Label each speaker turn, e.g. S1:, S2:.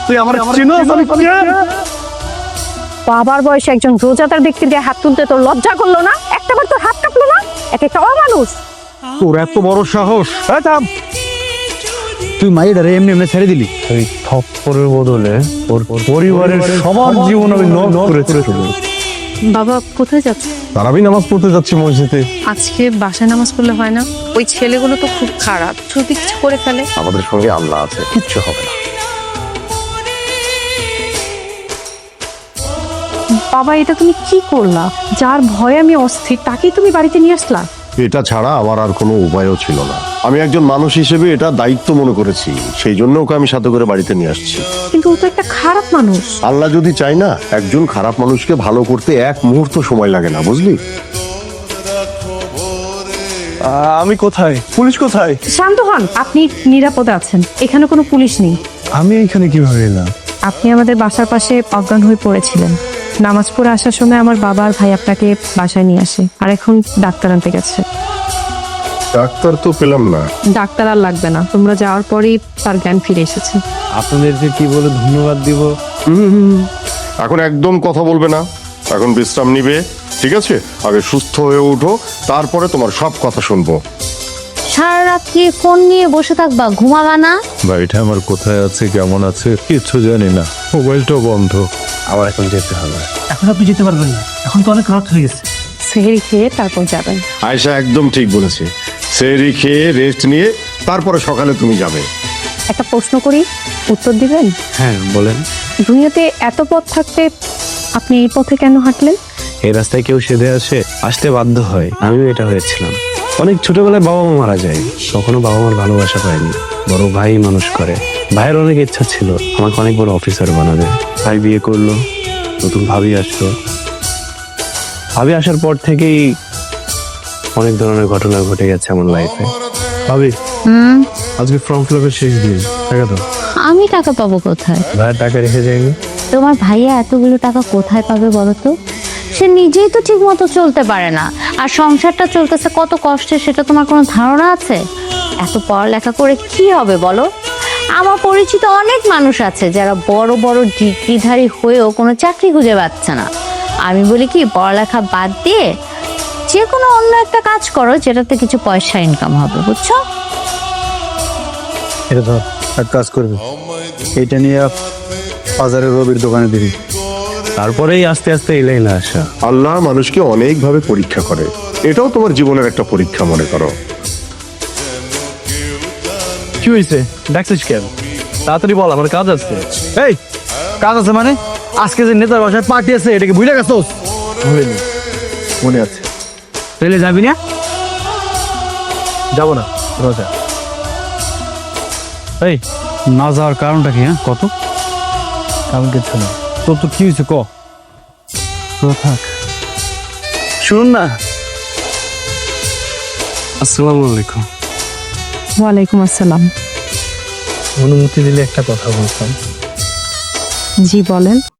S1: তুই আমার চিনোস আমি কে?
S2: বাবার বয়সে একজন রোজাদার ব্যক্তির গায়ে হাত তুলতে তোর লজ্জা করলো না? একটাবার তোর হাত কাঁপলো না? একটা অমানুষ।
S1: তোর এত বড় সাহস! এই থাম! তুই মাইয়াটারে এমনি এমনি ছেড়ে দিলি?
S3: ওই থপ্পড়ের বদলে ওর পরিবারের সবার জীবন আমি নষ্ট করেছি।
S2: বাবা কোথায় যাচ্ছে?
S3: তারাবি নামাজ পড়তে যাচ্ছি মসজিদে।
S2: আজকে বাসায় নামাজ পড়লে হয় না? ওই ছেলেগুলো তো খুব খারাপ, যদি কিছু করে ফেলে।
S3: আমাদের সঙ্গে আল্লাহ আছে, কিচ্ছু হবে না।
S2: বাবা এটা তুমি কি করলা? যার ভয়ে আমি অস্থির তাকেই তুমি বাড়িতে নিয়ে আসলা?
S4: এটা ছাড়া আমার আর কোনো উপায়ও ছিল না। আমি একজন মানুষ হিসেবে এটা দায়িত্ব মনে করেছি, সেই জন্য ওকে আমি সাথে করে বাড়িতে নিয়ে আসছি।
S2: কিন্তু ও তো একটা খারাপ মানুষ।
S4: আল্লাহ যদি চায় না, একজন খারাপ মানুষকে ভালো করতে এক মুহূর্ত সময় লাগে না, বুঝলি?
S3: আমি কোথায়? পুলিশ কোথায়?
S2: শান্ত হন, আপনি নিরাপদে আছেন, এখানে কোনো পুলিশ নেই।
S3: আমি এখানে কিভাবে এলাম?
S2: আপনি আমাদের বাসার পাশে অজ্ঞান হয়ে পড়েছিলেন। নামাজ পড়ে আসার সময় আমার বাবা আর ভাই আপনাকে বাসায় নিয়ে আসে, আর এখন ডাক্তার আনতে গেছে।
S4: ডাক্তার তো পেলাম না।
S2: ডাক্তার আর লাগবে না, তোমরা যাওয়ার পরেই তার জ্ঞান ফিরে এসেছে।
S3: আপনাদেরকে কি বলে ধন্যবাদ দিব?
S4: এখন একদম কথা বলবে না, এখন বিশ্রাম নিবে, ঠিক আছে? আগে সুস্থ হয়ে উঠো, তারপরে তোমার সব কথা শুনবো।
S5: সারা রাত কি ফোন নিয়ে বসে থাকবা, ঘুমাবা না?
S3: বাড়িটা আমার কোথায় আছে, কেমন আছে কিচ্ছু জানি না, মোবাইলটাও বন্ধ। আমার এখন যেতে হবে।
S1: এখন আপনি যেতে পারবেন না, এখন তো অনেক রাত হয়ে গেছে।
S2: সেহরি খেয়ে তারপর যাবেন।
S4: আয়েশা একদম ঠিক বলেছে, সেহরি খেয়ে রেস্ট নিয়ে তারপরে সকালে তুমি যাবে।
S2: একটা প্রশ্ন করি, উত্তর দিবেন?
S3: হ্যাঁ বলেন।
S2: দুনিয়াতে এত পথ থাকতে আপনি এই পথে কেন হাঁটলেন?
S3: এই রাস্তায় কেউ সেধে আসতে বাধ্য হয়, আমিও এটা হয়েছিলাম। অনেক ছোটবেলায় বাবা মা মারা যায়, কখনো বাবা মার ভালোবাসা পাইনি। বড় ভাই মানুষ করে, ভাইয়ের অনেক ইচ্ছা ছিল আমাকে অনেক বড় অফিসার বানাবে। ভাই বিয়ে করলো, নতুন ভাবি আসলো। ভাবি আসার পর থেকেই অনেক ধরনের ঘটনা ঘটে গেছে আমার লাইফে। ভাবি আজকে ফর্ম ফিল আপের শেষ দিন, টাকা দাও।
S5: আমি টাকা পাবো কোথায়?
S3: ভাইয়ের টাকা রেখে যায়নি।
S5: তোমার ভাইয়া এতগুলো টাকা কোথায় পাবে বলো তো? সে নিজেই তো ঠিক মতো চলতে পারে না, আর সংসারটা চলতেছে কত কষ্টে, সেটা তোমার কোনো ধারণা আছে? এত পড়ালেখা করে কি হবে বলো? আমার পরিচিত অনেক মানুষ আছে যারা বড় বড় ডিগ্রিধারী হয়েও কোনো চাকরি খুঁজে পাচ্ছে না। আমি বলি কি, পড়ালেখা বাদ দিয়ে যে কোনো অন্য একটা কাজ করো যেটাতে কিছু পয়সা ইনকাম হবে, বুঝছো?
S1: এটা ধর, এক কাজ করবি, এটা নিয়ে বাজারের রবির দোকানে দিবি।
S3: তারপরেই আস্তে আস্তে এই লাইনে আসা।
S4: আল্লাহ মানুষকে অনেকভাবে পরীক্ষা করে, এটাও তোমার জীবনের একটা পরীক্ষা মনে করো।
S3: কি হয়েছে, ডাকছিস কেন? তাড়াতাড়ি বল, আমার কাজ আছে।
S1: এই কাজ আছে মানে? আজকে যে নেতার বাসায় পার্টি আছে, এটাকে ভুলে গেছোস? মনে আছে। তাহলে যাবি না?
S3: যাবো না, রোজা।
S1: এই না যাওয়ার কারণটা কি? হ্যাঁ কত? কারণ কিছু না, তোর তো কি হয়েছে ক? থাক, শুনুন না।
S3: আসসালামু আলাইকুম।
S2: ওয়ালাইকুম আসসালাম।
S3: অনুমতি দিলে একটা কথা বলতাম।
S2: জি বলেন।